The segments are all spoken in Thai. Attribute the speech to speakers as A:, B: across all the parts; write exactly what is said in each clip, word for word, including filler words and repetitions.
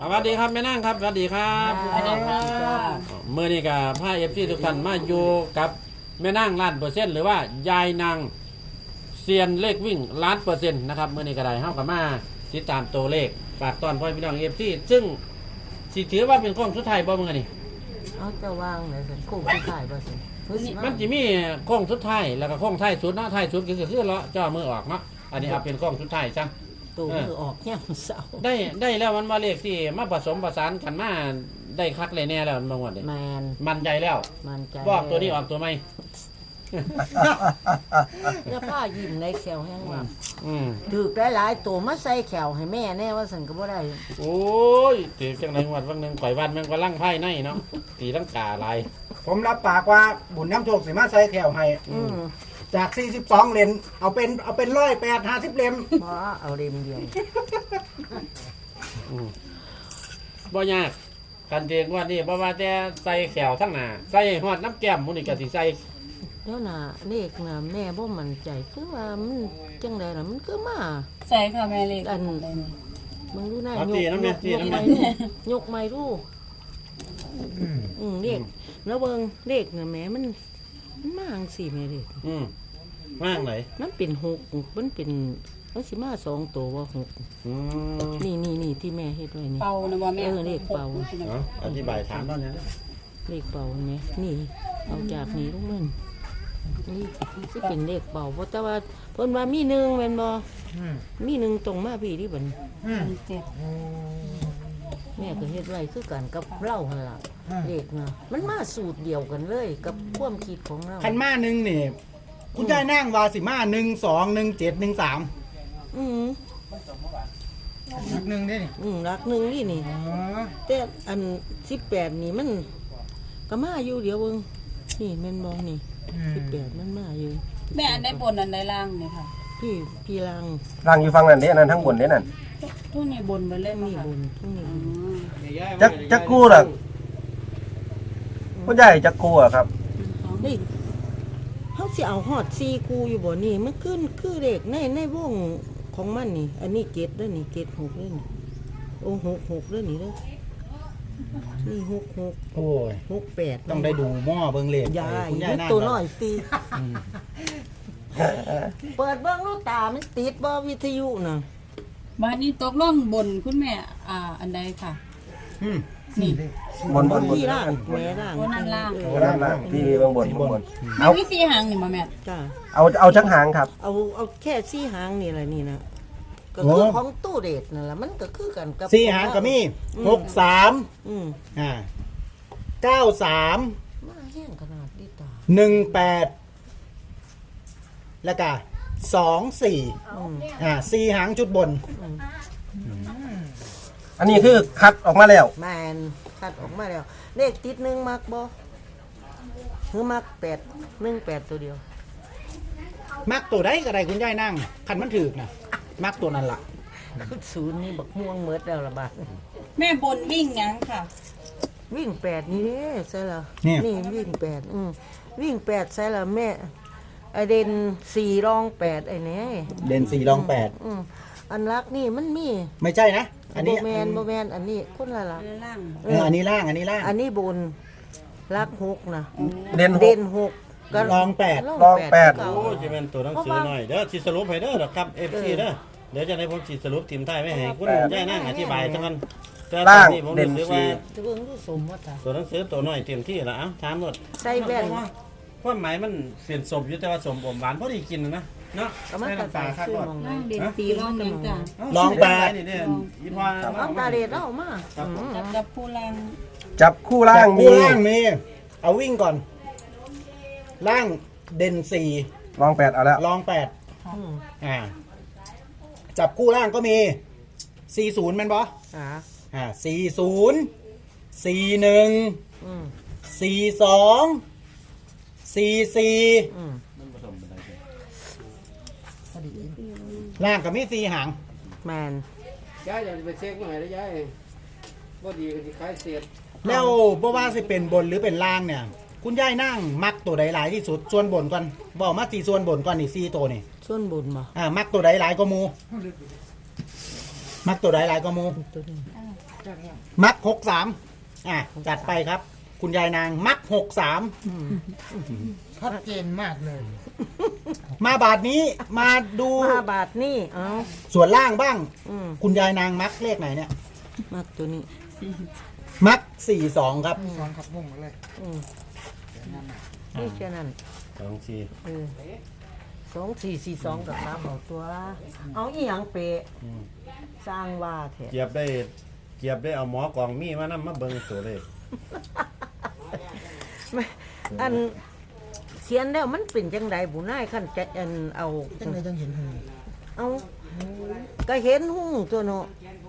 A: สวัสดีครับแม่นั่งครับสวัสดีครับ
B: สวัสดีค่ะ
A: เมื่อนี้กับพาเอฟซีทุกท่านมาอยู่กับแม่นั่งล้านเปอร์เซ็นต์หรือว่ายายนางเซียนเลขวิ่งล้านเปอร์เซ็นต์นะครับเมื่อนี้ก็ได้เข้ากับมาติดตามตัวเลขฝากตอนพ่อพี่น้องเอฟซีซึ่งสิถือว่าเป็นข้องสุดท้ายบ่มึงนี่
B: เอาจะวางไหนสิคู่ที่ถ่ายบ่สิ
A: มันจะมีข้องสุดท้ายแล้วก็ข้องท้ายสุดเนาะท้ายสุดก็คือเลาะจ่อมือออกเนาะอันนี้เอาเป็นข้องสุดท้ายจ้ะ
B: ตัวมือออกย่ำเสา
A: ได้ได้แล้วมันมาเลขที่มาผสมประสานกันมาได้คักเลยแน่แล้วมันบางวันเลย
B: แมน
A: มันใจแล้ว
B: มันใจ
A: บอกตัวนี้ออกตัวไม่
B: แล้วพ่อยิ้มในแขวแห้งว่า
A: อืม
B: ถือได้หลายตัวมาใส่แขวให้แม่แน่ว่าสันก็บ่ได้
A: โอ้ยตีจังไหนวันวันหนึ่งข่อยวันแมันก็ลั่งไพ่ในเนาะตีตั้งกาลาย
C: ผมรับปากว่าบุญน้ำโชคสิมาใส่แถวให้
B: อืม
C: จากสี่สิบสองเลนเอาเป็นเอาเป็นร้อยแปดห้าสิบเลม
B: เพราะเอาเรียมเดียว
A: อืมบ่ยากกันเตียงว่านี่บ่ว่าแต่ใส่แขวทั้งหน้าใส่หอดน้ำแก้มมันนี่ก็สิใส่
B: เดี๋ยวน่ะเลขน่ะแม่บ่มั่นใจคือว่ามันจังไดล่ะมันคือมา
D: ใช่ค่ะแม่เล็ก
B: อันมึงดูหน้า
A: เอา
B: ยก
A: ตีน้ำเนี่ยตี
B: ยก
A: น้ำ
B: ไม้
A: เนี่ย
B: ดูยกไม้ดูอืมเลขแล้วเบิ่งเลขน่ะแม่มันมันมาจังซี่แม่เลข
A: อืมว่างไหน
B: มันเป็นหกมันเป็นมันสิมาสองตัวว่าหก
A: อืม
B: นี่นี่นี่ที่แม่เฮ็ดไว้นี่
D: เป่านะบ่แม่
B: เออเลขเป่า
A: เอาอธิบายถามตอนนี้
B: เลขเป่าเห็นไหมนี่เอาจากนี้ลงมันนี่สิเป็นเลขเป่าเพราะแต่ว่าเพิ่นว่ามีหนึ่งแม่นบ่มีหนึ่งตรงมาพี่ที่บัดนี้
D: เจ็ด
B: แม่ก็เฮ็ดไว้คือกันกับเล่าหั่นล่ะเลขนะมันมาสูตรเดียวกันเลย กับความคิดของเรา
C: คันมาหนึ่งนี่คุณยายนั่งวาสิมาหนึ่งสองหนึ่งเจ็ดหนึ่งสาม
B: อืม
C: หนึ่งนี่
B: อืมรักหนึ่งนี่นี่ แต่อันสิบแปดนี่มันก็มาอยู่เดี๋ยวเบิ่งนี่แม่นบ่นี่สิบแปดมันมาอยู่
D: แม่อันใดบนอันใดล่างเนี่ยค่ะ
B: พี่พี่ลัง
E: ร่างอยู่ฟังนั่นเด้นั่นทั้งบนเด้นั่น
D: ทุกนี่บนไปเลย
B: นี่
D: นี่
B: บนทั้งนี้
D: อืม
E: จักจักกู้ล่ะผู้ใหญ่จักกู้อะครับ
B: นี่เฮาสิเอาฮอดสี่คูอยู่บ่นี่มันขึ้นคือเลขในในวงของมันนี่ อันนี้เกตเด้อนี่เกตหกเด้อนี่โอ้หกหกเด้อนี่เด้อนี่หกหก
C: โอ้ย
B: หกแปด
C: ต้องได้ดูหม้อเบิ้งเลข
B: ยาย
C: คุณยายนั่ง
B: ตัวน้อยตีเปิดเบิ่งลูกตามันติดบ่วิทยุน่ะ
D: บ้านนี้ตกล่องบนคุณแม่อ่าอันใดค่ะ
C: อืม
D: นี่
E: บนบนบน
B: พี่ล่างแม่ล่าง
D: โอ้นั่นล่าง
B: เอ
E: โอ้
B: อ
E: ด้านล่างพี่มีเบื้องบนเบื้องบน
D: มี
E: เอา
D: วิธีหางนี่มาแม่
B: จ้า
E: เอาเอาจักหางครับ
B: เอาเอาแค่สี่หางนี่แหละนี่นะก็คือของตู้เดทนั่นแหละมันก็คือกันกับ
C: สี่หางก็มีหกสาม
B: อืม
C: อ่าเก้าสาม
B: มาแห้งขนาดนี้ตา
C: หนึ่งแปดแล้วก็สองสี่
B: อืม
C: อ่าสี่หางจุดบน
E: อันนี้คือคัดออกมาแล้ว
B: แมนคัดออกมาแล้ว เลขติดหนึ่งมักบ่คือมักแปดหนึ่งแปดตัวเดียว
C: มักตัวใดก็ได้คุณยายนั่งคันมันถือกนะมักตัวนั้นล่ะ
B: ศูนย์นี่บักม่วงเมิดแล้วละบาท
D: แม่บนวิ่งหยังค่ะ
B: วิ่งแปดนี่เด้ใช่ละ
C: เนี่ย
B: นี่วิ่งแปดอืมวิ่งแปดใช่ละแม่ไอเดนสี่รองแปดไอ้เนี่ย
C: เด่นสี่รองแปด
B: อืมอันรักนี่มันมี
C: ไม่ใช่นะ อันนี้
B: โบแมนโบแมนอันนี้คนละละ
D: อันใดล่าง
C: เอออันนี้ล่างอันนี้ล่าง
B: อันนี้บนรักหกนะ
E: เด่นห
B: เด่
E: ก
B: นหกก็
C: รองแปด
E: รองแปด
B: คือ
A: โอ้
B: เก่า
A: ยจะเป็นตัวหนังสือหน่อยเด้อสิสรุปให้เด้อครับเอฟซีเด้อเดี๋ยวจะให้ผมสิสรุปทีมไทยไม่ให้คุณยายนั่งอธิบายทั้งนั้นแต่ตอนนี้ผมรู้สึกว่า
B: จะเบิ่งดูสมว่าจ้ะ
A: ตัวหนังสือตัวน้อยเต็มที่แล้วเอ้าถามหมด
B: ใส่แว่น
A: ความหมายมันเปลี่ยนสมอยู่แต่ว่าสมอมหวานพอดีกินนะเนาะ
B: ก็มันกระต่ายซื้อมองไหน
D: ล่างเด่นตีล่องหยังจ้ะ
C: ลองแปด
A: นี่เนี่ยอีพอ
B: เอาตาเด็ดเอามาอืม
D: จับจับผู้ล่าง
E: จับคู่ล่าง
C: คู่
E: มี
C: ล่างมีเอาวิ่งก่อน ล่างเด่นสี่
E: รองแปดเอาแล้ว
C: รองแปด
B: อืม
C: อ่า จับคู่ล่างก็มีสี่ศูนย์มันบอ
B: อ่า
C: อ่าสี่ศูนย์สี่หนึ่ง
B: อืม
C: สี่สองสี่สี่
B: อืม
C: ล่างก็มีสี่หาง
B: แมน
A: ย้ายอย่าไปเช็คหน่อยนะย้ายบ่ดีก็สิขายเสียด
C: แล้วบ่ว่าสิเป็นบนหรือเป็นล่างเนี่ย คุณยายนั่งมักตัวใดหลายที่สุดส่วนบนก่อนบอกมาสี่ส่วนบนก่อนนี่สี่ตัวนี่
B: ส่วนบนบ่
C: อ่ามักตัวใดหลายก็มูมักตัวใดหลายก็มู
B: ตัวนี้
C: มักหกสามอ่ะจัดไปครับ คุณยายนางมักหกสาม
F: ชัดเจนมากเลย
C: มาบาทนี้มาดู
B: ห้าบาทนี่เอา
C: ส่วนล่างบ้าง
B: อืม
C: คุณยายนางมักเลขไหนเนี่ย
B: มักตัวนี้
C: มักสี่สองครับ
F: สองขับมุ่งมาเลย
B: อืมนี่แค่นั้น
A: สองสี่
B: เออสองสี่สี่สองกับสามเอาตัว เอาอีหยังเปะสร้างว่าแท้
A: เกียบได้เกียบได้เอาหมอกองมีมานำมาเบิ่งตัวเลข
B: ไม่อันเขียนแล้วมันเป็นจังไดบุนายขั้นจะอันเอา
F: จังเลยจังเห็นหง
B: เอาก็เห็นหุ้งตัวเนาะ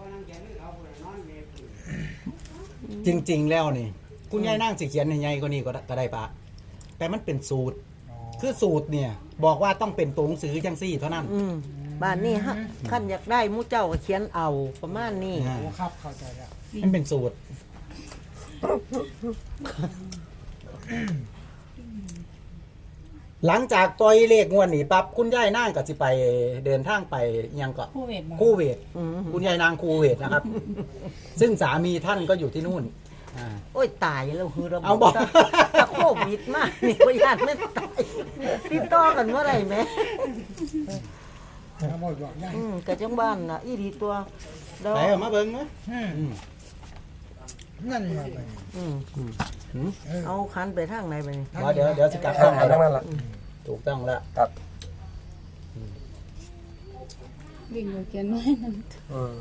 C: จริง ๆ แล้วนี่ คุณยายนางสิเขียนให้ใหญ่กว่านี้ก็ได้ก็ได้ปะแต่มันเป็นสูตร คือสูตรเนี่ย บอกว่าต้องเป็นตัวหนังสือจังซี่เท่านั้น
B: อืมบ้านนี้ฮะขั้นอยากได้หมูเจ้าก็เขียนเอาประมาณนี้
C: อ่า
F: โอ้ครับเข้าใจแล้ว
C: มันเป็นสูตร หลังจากต่อยเลขงวดนี้ปั๊บคุณยายนางก็สิไปเดินทางไปยังก็
D: คู่เวทบ่
C: คู่เวท
B: อืม
C: คุณยายนางคูเวทนะครับ ซึ่งสามีท่านก็อยู่ที่นู่นอ่า
B: โอ้ยตายแล้วคือระบบ
C: เอาบอก
B: ถ้าโควิดมากนี่ก็ญาติไม่ตายติดต่อกันเมื่อไหร่แม่
F: ขโมยบอกย่าย
B: อืมกะจังบ้านน่ะอีดีตัวแล้ว
C: ไปเอามาเบิ้งนะ
F: อืม
C: อืม
F: นั่นแหละไป
B: อืม
F: เออ
B: เอาคันไปทางไหนไปนี่
C: เดี๋ยวเดี๋ยวเดี๋ยวจะกลับ
E: เอา
C: เข้า
E: เอา
C: มา
E: ทั้งนั้นล่ะ
C: ถูกต้องแล้ว
E: ครับ
D: วิ่งอยู่เขียนไว้นั่น
E: อืม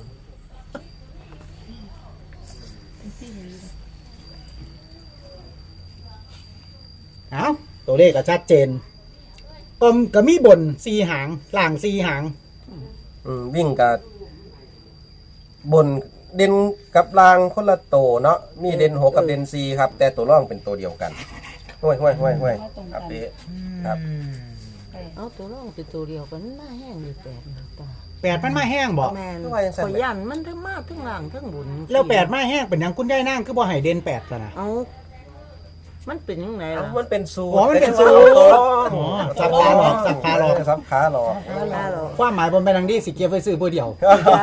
C: เอาตัวเลขก็ชัดเจนก็ก็มีบนสีหางล่างสีหาง
E: อืมวิ่งกับบนเด่นกับรางคนละโตเนาะมีเด่นหกกับเด่นสี่ครับ แต่ตัวร่องเป็นตัวเดียวกันห้วยห้วยห้วยห้วยครับพี่ครับ
F: อืม
B: เอาตัวร่องเป็นตัวเดียวกันหน้าแห้งอยู่แปดหน้าตา
C: แปดมันมาแห้งบอก
B: แมน
E: ทำไมยังสั่น
B: ข่อย
E: เลย
B: ยันมันทั้งมาทั้งหลังทั้งบุญ
C: แล้วแปดมาแห้งเป็นหยังคุณยายนางคือบ่ให้เด่นแปดซะนะ
B: เอามันเป็นยังไง
E: เอ้า
B: ล่ะ
E: มันเป็นสูตร
C: อ๋อมันเป็นสูตร
E: ตัวร่อง
C: อ๋อสับขาหลอกสับขาหลอก
E: สับขาหลอก
B: เอาล่ะหรอก
C: ความหมายบนเป็นดังที่สิเกียร์ไฟซื้อเพื่อเดียว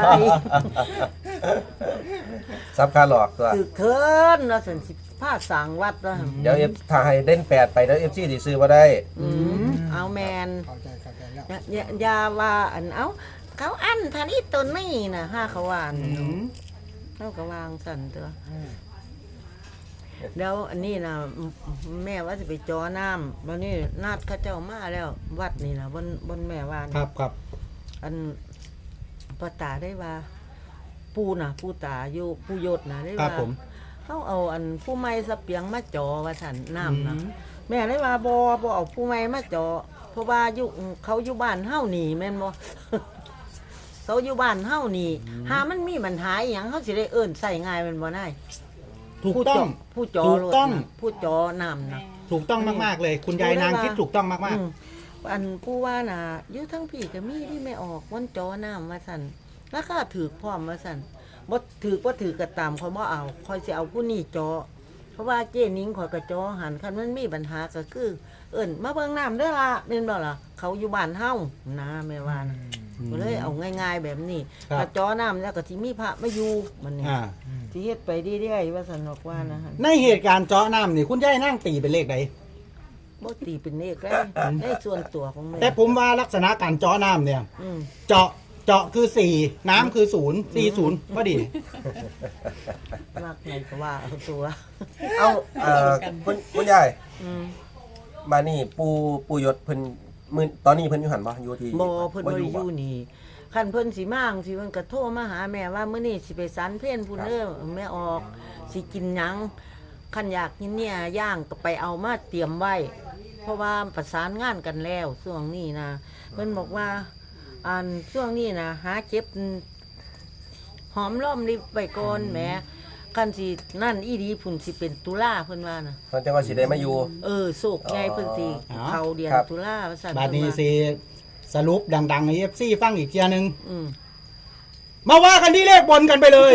E: สับขาหลอกตัว
B: ถือเทินนะสันสิผ้าสางวัดนะ
E: เดี๋ยวเอฟถ้าให้เด่นแปดไปแล้วเอฟซีดีซื้อมาได้
B: อืมเอาแมน
F: เข้าใจเข้าใจแล้ว
B: อย่าอย่าอย่าว่าอันเอาเขาอันทันอีตัวนี่นะห้าเขาวานเขาก็วางสั่นตัว
F: อืม
B: แล้วอันนี้นะแม่ว่าจะไปจอน้ำวันนี้นัดเข้าเจ้ามาแล้ว วัดนี่นะบนบนแม่วาน
C: ครับครับ
B: อันปตาได้ว่า ปูน่ะ ปูตาอยู่ปูยศนะได้
C: ครับ
B: ว่า
C: ผม
B: เขาเอาอันผู้ไม้สะเปียงมาจอว่าสันน้ำนะ
C: อืม
B: แม่ได้ว่าบอบอเอาผู้ไม้มาจอเพราะว่าอยู่เขาอยู่บ้านเฮานี่แม่นบ่ เขาอยู่บ้านเฮานี่หามันมีปัญหาอหย่างเขาสิได้เอิ้นใส่ง่ายแมันบ่ได้
C: ถูกต้อง
B: ผู้จอ
C: ถูกต้อง
B: รถน่ะผู้จอน้ำนะ
C: ถูกต้องมากๆเลย คุณยายนางคิดถูกต้องมาก
B: อืมอันผู้ว่าน่ะอยู่ทั้งพี่ก็มีที่ไม่ออกวันจอน้ำมาสั่นราคาถือพร้อมมาสั่นบ่ถือบ่ถือก็ตามเขาบ่เอาคอยสิเอาผู้นี้จอ เพราะว่าเจ้นิ้งข่อยก็จอหันคันมันมีปัญหาก็คือ เอิ้นมาเบิ่งน้ำเด้อล่ะแม่นบ่ล่ะเขาอยู่บ้านเฮานะแม่ว่านะก็เลยเอาง่ายๆแบบนี้
C: ครับ
B: ถ้าจอน้ำแล้วก็สิมีพระมาอยู่มัน
C: ๆ
B: นี่
C: อ่า
B: สิเฮ็ดไปเรื่อยๆว่าซั่นดอกว่านะฮะ
C: ในเหตุการณ์เจาะน้ำนี่คุณยายนางตีเป็นเลขใด
B: บ่ตีเป็นเลขได้ในส่วนตัวของแม่
C: แต่ผมว่าลักษณะการเจาะน้ำเนี่ย
B: อืม
C: เจาะเจาะคือสี่น้ำคือศูนย์สี่ศูนย์พอดี
B: รักไงก็ว่าเอาตัว
E: เอาเอ่อคุณคุณยาย
B: อืม
E: มานี่ปูปูยศเพิ่นมื้อตอนนี้เพิ่นอยู่หันบ่อยู่ที่
B: บ่เพิ่นบ่ได้อ
E: บ่
B: ยู่นี่คันเพิ่นสิมาจังสิเพิ่นก็โทรมาหาแม่ว่ามื้อนี้สิไปสันเพลพุ่นเด้อแม่ออกสิกินหยังคันอยากกินเนี่ยย่างก็ไปเอามาเตรียมไว้ เพราะว่าประสานงานกันแล้วช่วงนี้นะเพิ่นบอกว่าอันช่วงนี้นะหาเก็บหอมล้อมริบไปก่อนแหมคันสินั่นอีดีพุ่นสิเป็นตุลาเพิ่นว่านะ
E: เพิ่นจังว่าสิได้มาอยู่
B: เออโศกไงเพิ่นสิ
C: อ๋อ
B: เข้าเดือน
E: ครับ
B: ตุลาว่าซั่น
C: บาดนี้
B: เพิ่นว่า
C: สิสรุปดังๆให้เอฟซีฟังอีกเทียหนึง
B: อืม
C: มาว่ากันที่เลขบนกันไปเลย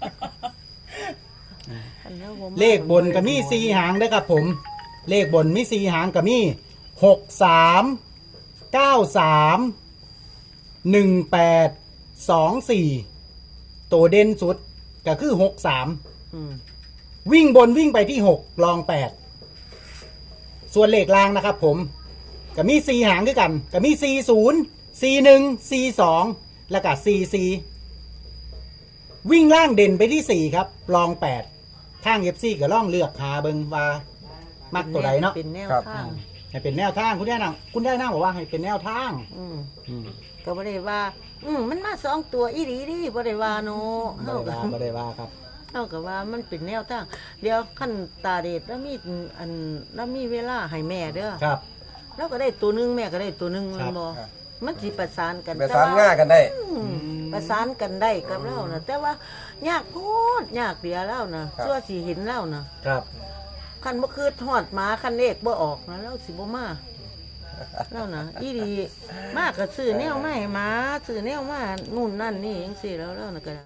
B: อันนั้นผม
C: เลขบนกับมีสี่หางนะครับผม เลขบนมีสี่หางกับมีหกสามเก้าสามหนึ่งแปดสองสี่ตัวเด่นสุดก็คือหกสาม
B: อืม
C: วิ่งบนวิ่งไปที่หกลองแปดส่วนเลขล่างนะครับผมก็มีสี่หางด้วยกันก็มีสี่ศูนย์สี่หนึ่งสี่สองแล้วก็สี่สี่วิ่งล่างเด่นไปที่สี่ครับลองแปดทางเอฟซีก็ล่องเลือกหาเบิงว่ามักตัวใดเนาะ
B: เป็นแนว
E: ครับ
B: ทาง
C: ให้เป็นแนวทางคุณได้นางคุณได้นางบอกว่าให้เป็นแนวทาง
B: อืม
C: อืม
B: ก็บ่ได้ว่า อืมมันมาสองตัวอีหลีดิบ่ได้ว่าเนาะ
C: ไม่
B: เฮา
C: ได้
B: ก็
C: ว่าไม่ได้ว่าครับ
B: เฮาก็ว่ามันเป็นแนวทางเดี๋ยวขั้นตาเดชแล้วมีอันแล้วมีเวลาให้แม่เด้อ
C: ครับ
B: แล้วก็ได้ตัวหนึงแม่ก็ได้ตัวหนึง
C: ค
B: แมั
C: รั
B: น
C: บ
B: บ่มันสิประสานกัน
E: ประสานง่ากันได้
B: อืมประสานกันได้กับเรานะแต่ว่ายากโพดยากเดียวแล้วนะครับ ชั่วสิเห็นแล้วนะครับ คันบ่คือทอดหมาคันเลขบ่ออกนะแล้วสิบ่มาแล้วนะอีดีมากก็ซื้อแนวมาให้หมาซื้อแนวมานู่นนั่นนี่จังซี่แล้วแล้วนะก็